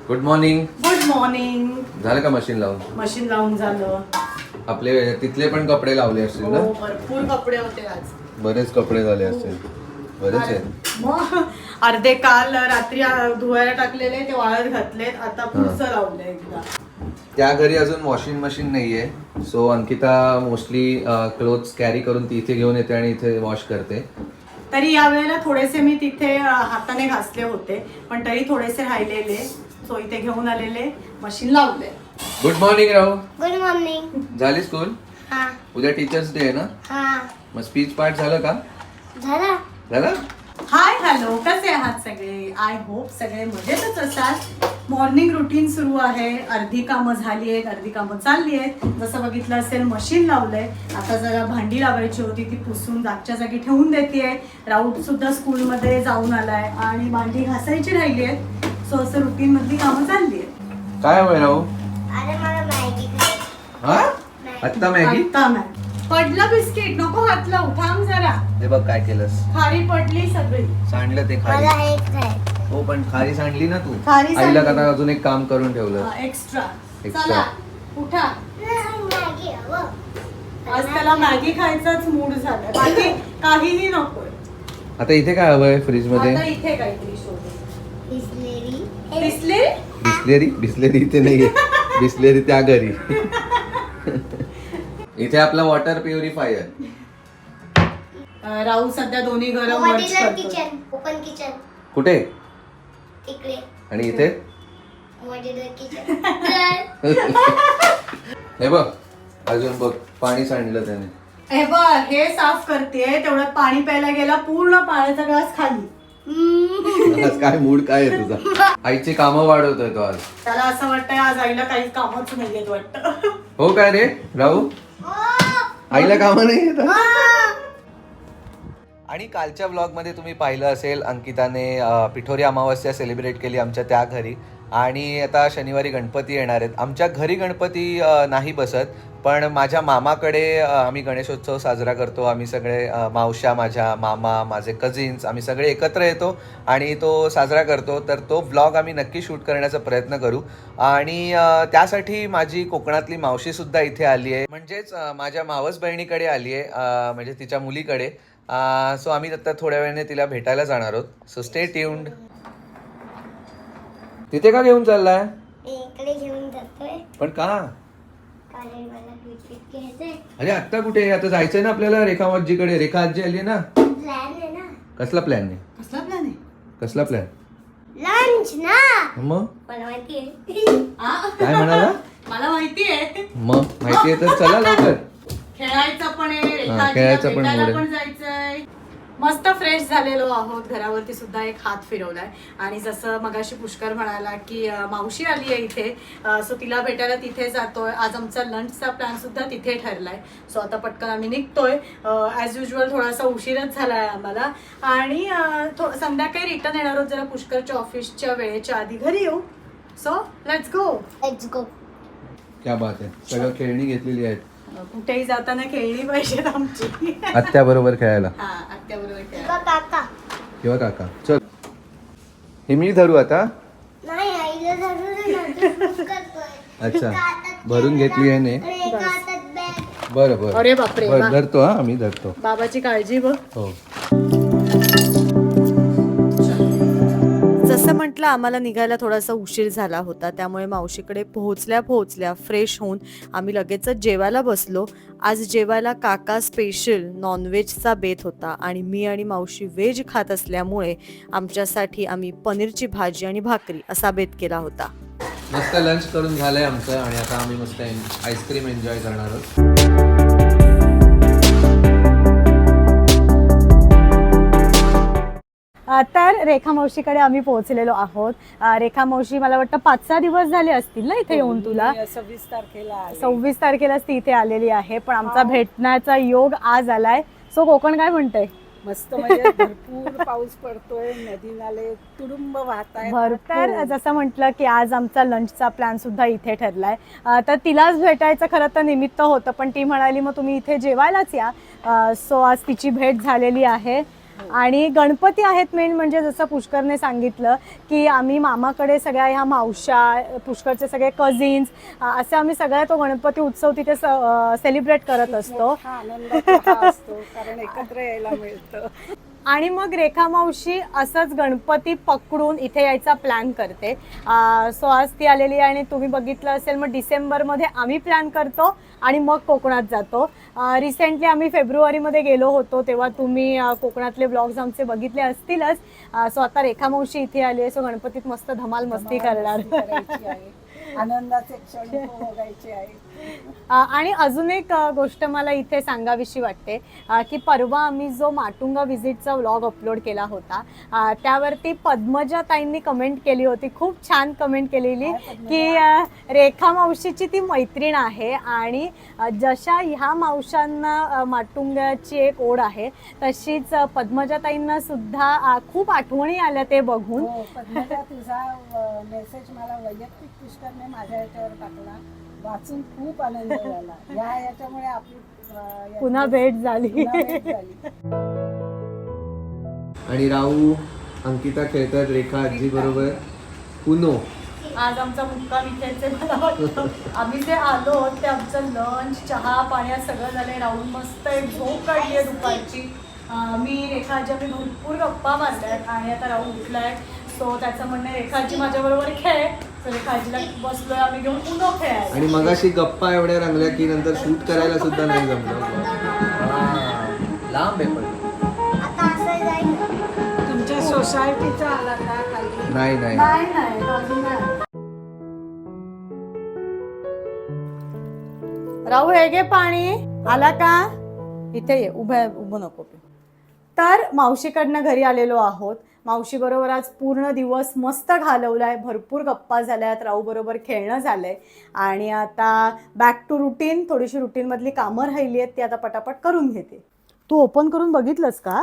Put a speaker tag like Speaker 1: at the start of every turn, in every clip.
Speaker 1: Good morning.
Speaker 2: Good morning.
Speaker 1: झालं का machine लावून?
Speaker 2: मशीन लावून झालं.
Speaker 1: आपले तिथले पण कपडे लावले असतील ना?
Speaker 2: हो, भरपूर कपडे होते आज.
Speaker 1: बरेच कपडे झाले असतील. बरेच आहेत.
Speaker 2: मग अर्धे काल रात्री धुवायला टाकलेले ते वाळत घातलेत. आता पुढचं लावलंय एकदा.
Speaker 1: त्या घरी अजून वॉशिंग मशीन नाहीये, so Ankita mostly clothes carry करून ती इथे घेऊन येते आणि इथे वॉश करते.
Speaker 2: तरी यावेळेला थोडेसे मी तिथे हाताने घासले होते, पण तरी थोडेसे राहिलेले, सो इथे घेऊन आलेले, मशीन लावले.
Speaker 1: Good morning Rahu.
Speaker 3: Good morning.
Speaker 1: झाली स्कूल?
Speaker 3: हा
Speaker 1: उद्या टीचर्स डे आहे ना?
Speaker 3: हा
Speaker 1: मग स्पीच पार्ट झालं का?
Speaker 3: झाला.
Speaker 1: झालं?
Speaker 2: हाय हॅलो, कसे आहात सगळे? आय होप सगळे मजेतच असाल. मॉर्निंग रुटीन सुरू आहे. अर्धी कामं झाली आहेत, अर्धी कामं चालली आहेत. जसं बघितलं असेल मशीन लावलंय. आता जरा भांडी लावायची होती, ती पुसून जागच्या जागी ठेवून देते. राऊत सुद्धा स्कूलमध्ये जाऊन आलाय आणि भांडी घासायची राहिली आहेत. सो असं रुटीन मधली कामं चालली आहेत.
Speaker 1: काय होय राहू?
Speaker 3: अरे मला मॅगी खायची.
Speaker 1: हा? आत्ता मॅगी?
Speaker 2: आता नाही. पडलं बिस्किट, नको हात लावू, थांब जरा.
Speaker 1: हे बघ काय केलंस.
Speaker 2: खारी पडली सगळी.
Speaker 1: सांडलं ते खारी.
Speaker 3: मला एक खायचं.
Speaker 1: हो पण खारी सांडली ना तू.
Speaker 2: खारी
Speaker 1: आईला
Speaker 2: सांडली.
Speaker 1: का अजून एक काम करून ठेवलं.
Speaker 2: एक्स्ट्रा.
Speaker 1: Extra.
Speaker 2: चला उठा.
Speaker 3: मॅगी हवं.
Speaker 2: आज त्याला मॅगी खायचाच मूड झालाय, बाकी काहीही नकोय.
Speaker 1: आता इथे काय हवंय फ्रीज मध्ये?
Speaker 2: आता इथे काहीतरी शोधू.
Speaker 3: बिस्लेरी.
Speaker 2: दिसले?
Speaker 1: बिस्लेरी? बिस्लेरी इथे नाहीये. बिस्लेरी त्या घरी. इथे आपला वॉटर प्युरिफायर.
Speaker 2: राहू सध्या दोन्ही गरम
Speaker 3: मॉड्युलर किचन. Open kitchen.
Speaker 1: कुठे?
Speaker 3: तिकडे.
Speaker 1: आणि इथे?
Speaker 3: Modular kitchen.
Speaker 1: हे बघ अजून बघ पाणी सांडलं त्याने.
Speaker 2: हे बघ, हे साफ करते तेवढ्यात पाणी प्यायला गेला, पूर्ण पाण्याचा ग्लास खाली.
Speaker 1: आज काय मूड काय आहे तुझा? आईची कामं वाढवतोय तो आज.
Speaker 2: त्याला असं वाटतंय आज आईला काही कामच नाहीयेत वाटतं.
Speaker 1: हो काय रे राहू? आईला कामं नाही येत? आणि कालच्या व्लॉगमध्ये तुम्ही पाहिलं असेल अंकिताने पिठोरी अमावस्या सेलिब्रेट केली आमच्या त्या घरी. आणि आता शनिवारी गणपती येणार आहेत. आमच्या घरी गणपती नाही बसत, पण माझ्या मामाकडे आम्ही गणेशोत्सव साजरा करतो. आम्ही सगळे मावश्या, माझ्या मामा, माझे कझिन्स, आम्ही सगळे एकत्र येतो आणि तो साजरा करतो. तर तो व्लॉग आम्ही नक्की शूट करण्याचा प्रयत्न करू. आणि त्यासाठी माझी कोकणातली मावशीसुद्धा इथे आली आहे, म्हणजेच माझ्या मावस बहिणीकडे आली आहे, म्हणजे तिच्या मुलीकडे. सो आम्ही आता थोड्या वेळाने तिला भेटायला जाणार आहोत. So stay tuned. तिथे का घेऊन चाललाय?
Speaker 3: इकडे घेऊन जातोय.
Speaker 1: पण का?
Speaker 3: कारण मला बिस्किट घ्यायचंय.
Speaker 1: अरे आत्ता कुठे? आता जायचंय ना आपल्याला रेखा आजीकडे. रेखा आजी आली ना.
Speaker 3: प्लॅन आहे ना.
Speaker 1: कसला प्लॅन आहे?
Speaker 2: कसला प्लॅन आहे?
Speaker 1: कसला प्लॅन?
Speaker 3: लंच ना.
Speaker 1: मग
Speaker 3: मला माहितीये.
Speaker 1: काय म्हणाला?
Speaker 2: मला माहितीये.
Speaker 1: मग माहितीये तर चला लवकर.
Speaker 2: खेळायचं पण आहे,
Speaker 1: खेळायचं पण
Speaker 2: भेटायला
Speaker 1: मोड आहे.
Speaker 2: पण जायचंय. मस्त फ्रेश झालेलो आहोत. घरावरती सुद्धा एक हात फिरवलाय. आणि जसं मगाशी पुष्कर म्हणाला की मावशी आली आहे इथे, सो तिला भेटायला तिथे जातोय. आज आमचा लंचचा प्लॅन सुद्धा तिथे ठरलाय. सो आता पटकन आम्ही निघतोय. ॲज युजल थोडासा उशीरच झालाय आम्हाला. आणि संध्याकाळी रिटर्न येणार आहोत जरा पुष्करच्या ऑफिसच्या वेळेच्या आधी घरी येऊ. So let's go.
Speaker 3: Let's go.
Speaker 1: क्या बात आहे. सगळं खेळणी घेतलेली आहेत.
Speaker 2: कुठेही जाताना खेळली पाहिजेत आमची.
Speaker 1: आत्या बरोबर खेळायला
Speaker 2: हा, आत्याबरोबर खेळायला.
Speaker 3: तुझा काका.
Speaker 1: किंवा काका. चल हे मी धरू आता.
Speaker 3: नाही आईला धरून करतोय.
Speaker 1: अच्छा भरून घेतली आहे ने.
Speaker 3: एका हातात बॅग.
Speaker 1: बरं बरं.
Speaker 2: अरे बापरे,
Speaker 1: बरं
Speaker 2: वा.
Speaker 1: धरतो. हा आम्ही धरतो.
Speaker 2: बाबाची काळजी बघ.
Speaker 1: हो.
Speaker 4: जसं म्हटलं आम्हाला निघायला थोडासा उशीर झाला होता, त्यामुळे मावशीकडे पोहोचल्या फ्रेश होऊन आम्ही लगेचच जेवायला बसलो. आज जेवायला काका स्पेशल नॉनव्हेजचा बेत होता आणि मी आणि मावशी व्हेज खात असल्यामुळे आमच्यासाठी आम्ही पनीरची भाजी आणि भाकरी असा बेत केला होता.
Speaker 1: मस्त लंच करून झालंय आमचं आणि आता आम्ही मस्त आईस्क्रीम एन्जॉय करणार आहोत.
Speaker 2: तर रेखा मावशीकडे आम्ही पोहोचलेलो आहोत. रेखा मावशी मला वाटतं 5-6 दिवस झाले असतील ना इथे येऊन तुला. 26 तारखेलाच ती इथे आलेली आहे. पण आमचा भेटण्याचा योग आज आलाय. सो कोकण काय म्हणतंय?
Speaker 5: मस्त म्हणजे भरपूर पाऊस पडतोय, नदी नाले तुडुंब वाहत आहेत.
Speaker 2: तर जसं म्हटलं की आज आमचा लंचचा प्लॅन सुद्धा इथे ठरलाय. तर तिलाच भेटायचं खरं तर निमित्त होतं, पण ती म्हणाली मग तुम्ही इथे जेवायलाच या. सो आज तिची भेट झालेली आहे आणि गणपती आहेत मेन म्हणजे जसं पुष्करने सांगितलं की आम्ही मामाकडे सगळ्या ह्या मावश्या, पुष्करचे सगळे कझिन्स, असे आम्ही सगळ्या तो गणपती उत्सव तिथे सेलिब्रेट करत असतो.
Speaker 5: मोठा आनंदाचा हा असतो कारण एकत्र यायला मिळतं.
Speaker 2: आणि मग रेखा मावशी असंच गणपती पकडून इथे यायचा प्लॅन करते. सो आज ती आलेली आहे आणि तुम्ही बघितलं असेल मग डिसेंबरमध्ये आम्ही प्लॅन करतो आणि मग कोकणात जातो. रिसेंटली आम्ही फेब्रुवारीमध्ये गेलो होतो तेव्हा तुम्ही कोकणातले ब्लॉग्स आमचे बघितले असतीलच. सो आता रेखा मावशी इथे आली आहे, सो गणपतीत मस्त धमाल मस्ती करणार.
Speaker 5: करायची आहे, आनंदाचे क्षण बघायचे आहे.
Speaker 2: आणि अजून एक गोष्ट मला इथे सांगावीशी वाटते की परवा आम्ही जो माटुंगा व्हिजिटचा व्लॉग अपलोड केला होता त्यावरती पद्मजा ताईंनी कमेंट केली होती, खूप छान कमेंट केलेली की रेखा मावशीची ती मैत्रीण आहे आणि जशा ह्या मावशांना माटुंगाची एक ओढ आहे तशीच पद्मजा ताईंना सुद्धा खूप आठवणी आल्या ते बघून.
Speaker 5: हो, पद्मजा तुझा मेसेज मला वैयक्तिक पुष्करने माझ्या याच्यावर टाकला, वाचून खूप आनंद झाला. याच्यामुळे आपली
Speaker 2: पुन्हा भेट झाली.
Speaker 1: आणि राहू अंकिता खेळतात रेखा आजी बरोबर पुनो.
Speaker 2: आज आमचा मुक्काम इथेच आहे. मला वाटतं आम्ही जे आलो ते आमचं लंच चहा पाण्यात सगळं झालंय. राहून मस्त एक झोप काढली आहे दुपारची. मी रेखाजी आम्ही भरपूर गप्पा मारल्यात आणि आता राहून उठलाय. सो त्याचं म्हणणं आहे रेखाजी माझ्याबरोबर खेळ. तर रेखाजीला बसलोय आम्ही घेऊन पुन्हा खेळायला.
Speaker 1: आणि मगाशी गप्पा एवढ्या रंगल्या की नंतर शूट करायला सुद्धा नाही जमलं. लांब आहे पण
Speaker 3: आता असं जाईल.
Speaker 5: तुमच्या सोसायटीचा आला का खाली?
Speaker 1: नाही नाही
Speaker 2: नाही नाही अजून नाही. राहू हे घे पाणी. आला का? इथे ये, उभं नको. तर मावशीकडनं घरी आलेलो आहोत. मावशी बरोबर आज पूर्ण दिवस मस्त घालवलाय, भरपूर गप्पा झाल्यात, राहू बरोबर खेळणं झालंय आणि आता बॅक टू रुटीन. थोडीशी रुटीन मधली कामं राहिली आहेत ती आता पटापट करून घेते. तू ओपन करून बघितलंस का?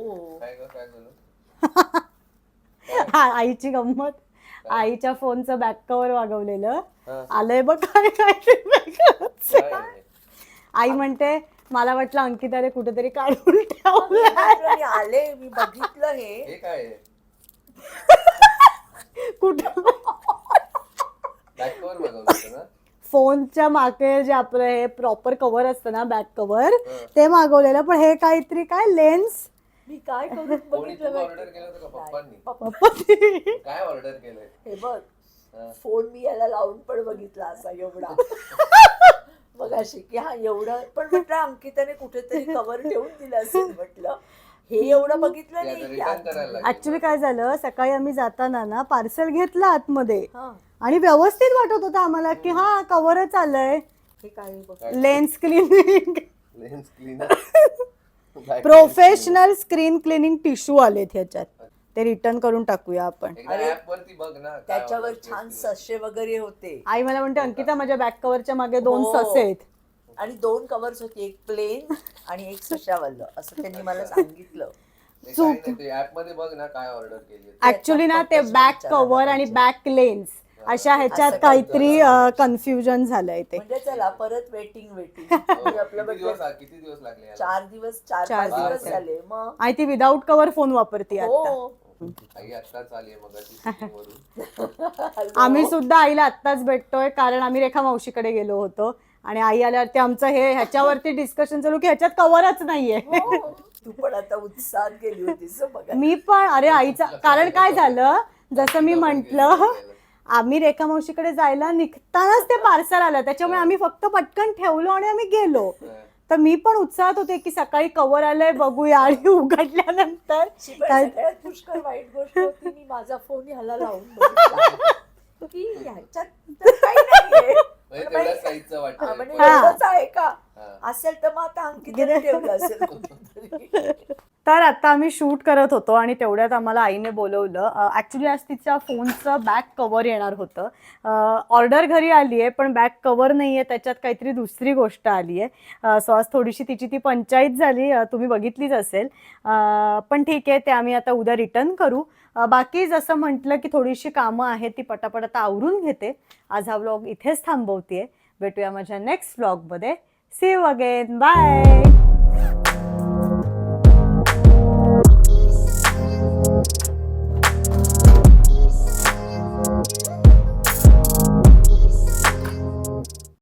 Speaker 2: आईची गंमत. आईच्या फोनचं बॅक कव्हर वागवलेलं आलंय बघ. काय आई म्हणते मला वाटलं अंकिताने कुठेतरी काढून ठेवलं.
Speaker 6: आले मी बघितलं हे
Speaker 1: काय
Speaker 2: कुठं फोनच्या मागे जे आपलं हे प्रॉपर कव्हर असतं ना बॅक कव्हर ते मागवलेलं. पण हे काहीतरी काय लेन्स
Speaker 6: मी काय करून बघितलं
Speaker 1: ऑर्डर केलं होतं का पप्पांनी? काय ऑर्डर केलंय?
Speaker 6: हे बघ फोन मी याला लावून पण बघितला असा एवढा मग अशी की हा एवढं पण म्हटलं अंकिताने कुठेतरी कव्हर ठेवून दिलं असेल म्हटलं. हे एवढं बघितलं नाही.
Speaker 2: ऍक्च्युली काय झालं सकाळी आम्ही जाताना ना पार्सल घेतलं आतमध्ये आणि व्यवस्थित वाटत होतं आम्हाला की हा कव्हरच आलंय.
Speaker 6: हे काय बघ
Speaker 2: lens cleaning
Speaker 1: lens cleaner
Speaker 2: professional screen cleaning tissue आलेत ह्याच्यात. ते रिटर्न करून टाकूया आपण.
Speaker 1: ऍप वरती बघ ना
Speaker 6: त्याच्यावर छान ससे वगैरे होते.
Speaker 2: आई मला म्हणते अंकिता माझ्या बॅक कव्हरच्या मागे 2 ससे आहेत
Speaker 6: आणि 2 कव्हर्स होते, एक प्लेन आणि एक सशावालं असं त्यांनी मला सांगितलं.
Speaker 1: ऍप मध्ये बघ ना काय ऑर्डर केली.
Speaker 2: ऍक्च्युली ना ते बॅक कव्हर आणि बॅक लेन्स अशा ह्याच्यात काहीतरी कन्फ्युजन झालंय ते.
Speaker 6: म्हणजे चला परत वेटिंग आपलं
Speaker 1: किती दिवस लागले?
Speaker 6: 4 दिवस 4-5 दिवस झाले. मग
Speaker 2: आणि ती विदाऊट कव्हर फोन वापरते आता.
Speaker 6: हो
Speaker 1: आई आत्ताच आली मग.
Speaker 2: आम्ही सुद्धा आईला आत्ताच भेटतोय कारण आम्ही रेखा मावशीकडे गेलो होतो आणि आई आल्यावरती आमचं हे ह्याच्यावरती डिस्कशन चालू की ह्याच्यात कव्हरच नाहीये.
Speaker 6: तू पण आता उत्साहात गेली होतीस बघा.
Speaker 2: मी पण अरे आईचा कारण काय झालं जसं मी म्हंटल आम्ही रेखा मावशीकडे जायला निघतानाच ते पार्सल आलं त्याच्यामुळे आम्ही फक्त पटकन ठेवलो आणि आम्ही गेलो. तर मी पण उत्साहात होते की सकाळी कव्हर आलंय बघूया आणि उघडल्यानंतर
Speaker 6: सगळ्यात पुष्कळ वाईट गोष्ट होती मी माझा फोन ह्याला लावून बघितला की ह्याच्यात तर काही नाहीये. म्हणजे एवढंच आहे का असेल तर मग आता अंकिताने ठेवलं असेल कुठेतरी.
Speaker 2: तर आता आम्ही शूट करत होतो आणि तेवढ्यात आम्हाला आईने बोलवलं. ॲक्च्युली आज तिच्या फोनचं बॅक कव्हर येणार होतं. ऑर्डर घरी आली आहे पण बॅक कव्हर नाही आहे, त्याच्यात काहीतरी दुसरी गोष्ट आली आहे. सो आज थोडीशी तिची ती पंचायत झाली, तुम्ही बघितलीच असेल. पण ठीक आहे ते आम्ही आता उद्या रिटर्न करू. बाकी जसं म्हटलं की थोडीशी कामं आहेत ती पटापट आता आवरून घेते. आज हा व्लॉग इथेच थांबवते. भेटूया माझ्या नेक्स्ट व्लॉगमध्ये. See you again. बाय.